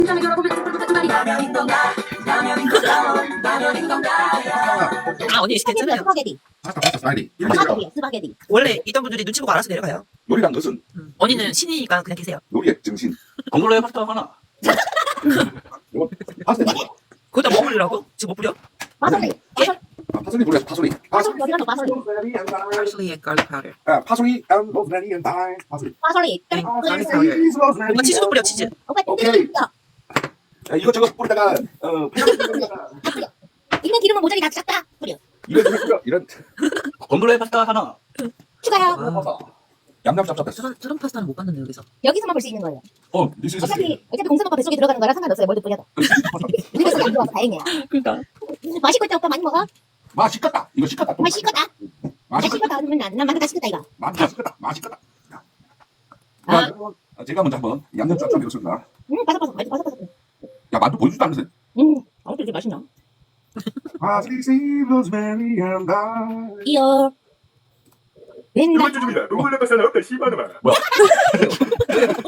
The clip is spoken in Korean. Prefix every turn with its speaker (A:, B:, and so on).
A: 아 언니 괜찮아요.
B: 스파게티.
C: 파스타 스파게티.
B: 스파게티.
A: 원래 있던 분들이 눈치 보고 알아서 내려가요.
C: 요리란 것은
A: 언니는 신이니까 그냥 계세요.
C: 요리의 정신.
D: 건물로의 파스타 하나.
C: 이거 파스타.
A: 거기다 뭐 뿌리라고? 지금 뭐 뿌려?
B: 파솔리.
C: 파솔리 뿌려 파솔리.
B: 파솔리 어디 가서 파솔리.
A: Parsley and garlic powder.
C: 파솔리 and rosemary and thyme. 파솔리.
B: 파솔리.
A: 오빠 치즈도 뿌려 치즈.
C: 오케이. 이것저것 뿌리다가
B: 있는 기름은 모자리 다 싹다 뿌려.
C: 이런
D: 건물로의 파스타 하나.
B: 추가요.
C: 얌얌 짭짭했어.
A: 저런 파스타는 못 봤는데 여기서.
B: 여기서만 볼 수 있는 거예요.
C: This is
B: 어차피 공선 오빠 뱃속에 들어가는 거랑 상관없어요. 뭘도 뿌려도. 우리 뱃속에 안 들어와서 다행이야.
A: 그러니까.
B: 맛있고 있다 오빠 많이 먹어.
C: 맛있겠다. 이거 식겠다.
B: 맛있겠다.
C: 맛있겠다.
B: 맛있겠다. 그러면 난 만두 다 식겠다 이거.
C: 맛있겠다. 맛있겠다.
B: 아.
C: 제가 먼저 한번 얌얌 짭짭 해보겠습니다.
B: 바삭바삭. 맛있어 바삭바삭.
C: 야 만두 보여주지도 않으세요?
B: 아무튼 이렇게 맛있나?
C: 파슬리, 로즈메리 and thyme.
B: 이어. 맨날
E: 중입니다. 누굴 내것은 어떤 씨발놈아.
C: 뭐야?